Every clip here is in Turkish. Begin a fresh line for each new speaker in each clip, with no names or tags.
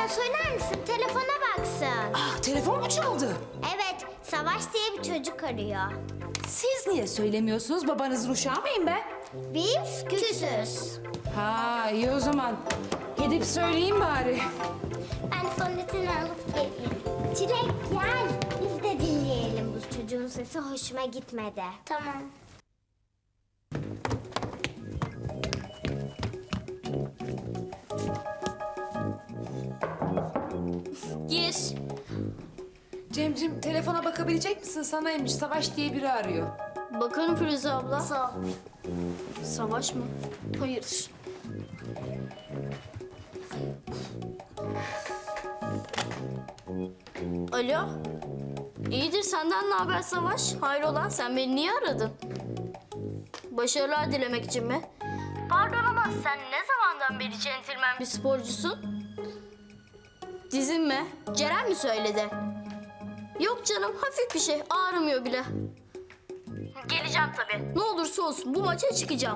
söyler misin? Telefona baksın.
Ah, telefon mu çaldı?
Evet, Savaş diye bir çocuk arıyor.
Siz niye söylemiyorsunuz? Babanızın uşağı mıyım ben?
Biz küsüz.
Ha, iyi o zaman. Gidip söyleyeyim bari.
Ben fondöteni alıp geleyim. Çilek gel. Biz de dinleyelim. Bu çocuğun sesi hoşuma gitmedi. Tamam.
Gir.
Cemcim, telefona bakabilecek misin? Sanaymış, Savaş diye biri arıyor.
Bakarım Firuze abla. Sağ ol. Savaş mı? Hayırdır? Alo. İyidir, senden ne haber Savaş? Hayrola, sen beni niye aradın? Başarılar dilemek için mi? Pardon ama sen ne zamandan beri centilmen bir sporcusun? Dizin mi? Ceren mi söyledi? Yok canım, hafif bir şey, ağrımıyor bile. Geleceğim tabii. Ne olursa olsun bu maça çıkacağım.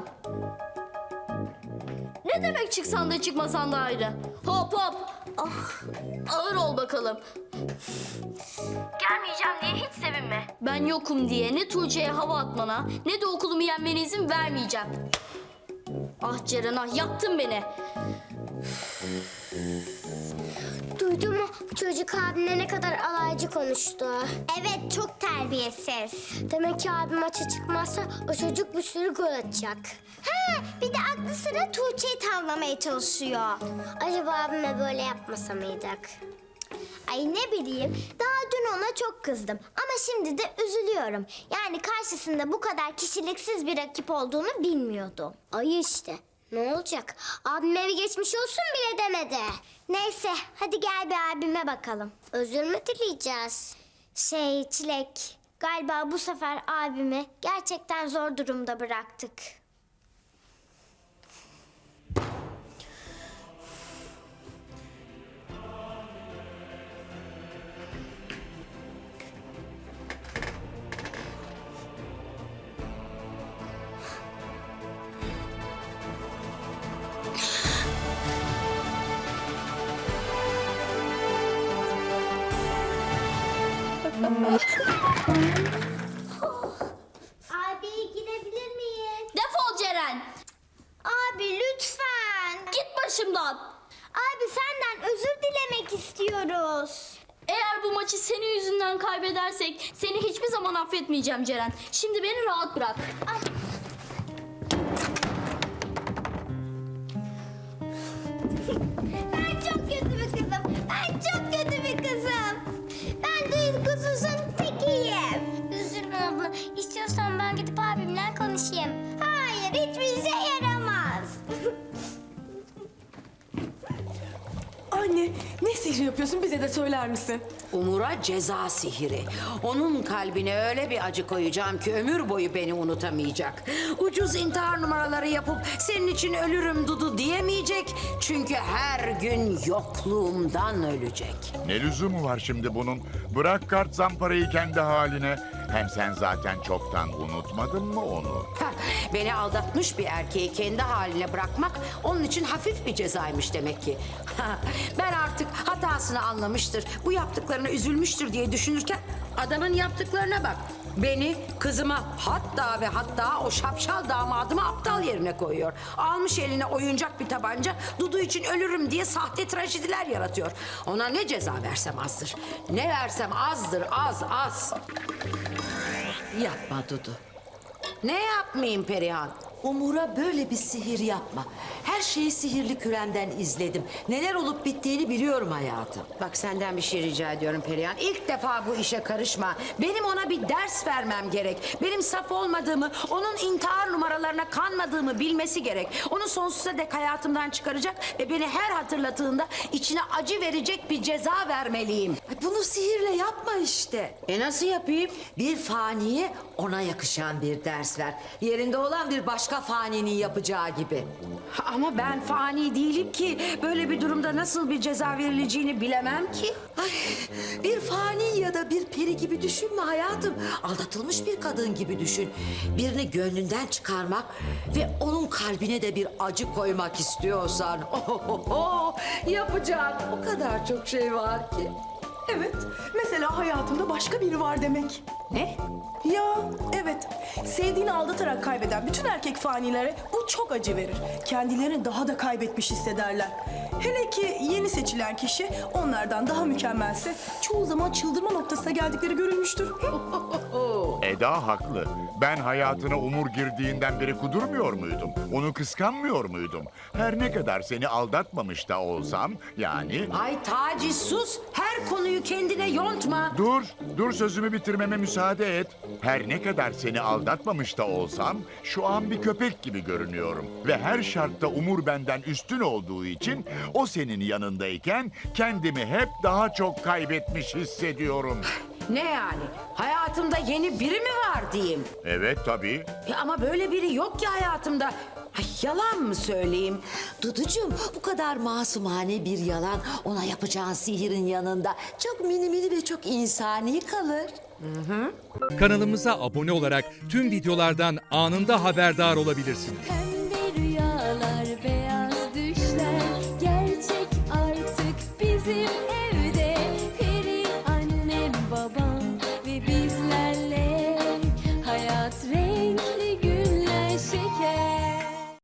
Ne demek çıksan da çıkmasan da ayrı. Hop hop. Ah, ağır ol bakalım. Gelmeyeceğim diye hiç sevinme. Ben yokum diye ne Tuğçe'ye hava atmana ne de okulumu yenmene izin vermeyeceğim. Ah Ceren ah, yaktın beni.
Duydun mu? Çocuk abimle ne kadar alaycı konuştu. Evet, çok terbiyesiz. Demek ki abim maça çıkmazsa o çocuk bir sürü gol atacak. Ha, bir de aklı sıra Tuğçe'yi tavlamaya çalışıyor. Acaba abime böyle yapmasa mıydık? Ay ne bileyim, daha dün ona çok kızdım. Ama şimdi de üzülüyorum. Yani karşısında bu kadar kişiliksiz bir rakip olduğunu bilmiyordum. Ay işte. Ne olacak? Abim evi geçmiş olsun bile demedi. Neyse, hadi gel bir abime bakalım. Özür mü dileyeceğiz? Çilek, galiba bu sefer abimi gerçekten zor durumda bıraktık. Abi girebilir miyiz?
Defol Ceren.
Abi lütfen.
Git başımdan.
Abi senden özür dilemek istiyoruz.
Eğer bu maçı senin yüzünden kaybedersek seni hiçbir zaman affetmeyeceğim Ceren. Şimdi beni rahat bırak.
Ay. Ben çok kötü bir kızım. Ben çok kötü bir kızım. Ben duygusuzun tekiyim. Üzülme abla. İstiyorsan ben gidip abimle konuşayım. Hayır, hiçbir işe yaramaz.
Anne, ne sihir yapıyorsun bize de söyler misin?
Umur'a ceza sihiri. Onun kalbine öyle bir acı koyacağım ki ömür boyu beni unutamayacak. Ucuz intihar numaraları yapıp senin için ölürüm Dudu diyemeyecek. Çünkü her gün yokluğumdan ölecek.
Ne lüzumu var şimdi bunun? Bırak kart zamparayı kendi haline. Hem sen zaten çoktan unutmadın mı onu?
Heh, beni aldatmış bir erkeği kendi haline bırakmak onun için hafif bir cezaymış demek ki. Ben artık hatasını anlamıştır, bu yaptıklarına üzülmüştür diye düşünürken adamın yaptıklarına bak. Beni, kızıma, hatta ve hatta o şapşal damadımı aptal yerine koyuyor. Almış eline oyuncak bir tabanca, Dudu için ölürüm diye sahte trajediler yaratıyor. Ona ne ceza versem azdır. Ne versem azdır, az.
Yapma Dudu.
Ne yapmayayım Perihan?
Umur'a böyle bir sihir yapma. Her şeyi sihirli kürenden izledim. Neler olup bittiğini biliyorum hayatım.
Bak senden bir şey rica ediyorum Perihan. İlk defa bu işe karışma. Benim ona bir ders vermem gerek. Benim saf olmadığımı, onun intihar numaralarına kanmadığımı bilmesi gerek. Onu sonsuza dek hayatımdan çıkaracak ve beni her hatırladığında içine acı verecek bir ceza vermeliyim.
Ay, bunu sihirle yapma işte.
Nasıl yapayım?
Bir faniye ona yakışan bir ders ver. Yerinde olan bir başka faninin yapacağı gibi.
Ama Ama ben fani değilim ki. Böyle bir durumda nasıl bir ceza verileceğini bilemem ki.
Ay, bir fani ya da bir peri gibi düşünme hayatım. Aldatılmış bir kadın gibi düşün. Birini gönlünden çıkarmak ve onun kalbine de bir acı koymak istiyorsan... yapacak o kadar çok şey var ki.
Evet, mesela hayatımda başka biri var demek.
Ne?
Ya evet, sevdiğini aldatarak kaybeden bütün erkek fanilere bu çok acı verir. Kendilerini daha da kaybetmiş hissederler. Hele ki yeni seçilen kişi onlardan daha mükemmelse çoğu zaman çıldırma noktasına geldikleri görülmüştür.
Eda haklı. Ben hayatına Umur girdiğinden beri kudurmuyor muydum? Onu kıskanmıyor muydum? Her ne kadar seni aldatmamış da olsam yani...
Ay Taci sus. Her konuyu kendine yontma.
Dur sözümü bitirmeme müsaade et. Her ne kadar seni aldatmamış da olsam şu an bir köpek gibi görünüyorum. Ve her şartta Umur benden üstün olduğu için o senin yanındayken kendimi hep daha çok kaybetmiş hissediyorum.
Ne yani? Hayatımda yeni biri mi var diyeyim?
Evet tabii.
Ya ama böyle biri yok ki hayatımda. Ay, yalan mı söyleyeyim?
Duducuğum, bu kadar masumane bir yalan ona yapacağın sihirin yanında çok mini mini ve çok insani kalır.
Kanalımıza abone olarak tüm videolardan anında haberdar olabilirsiniz.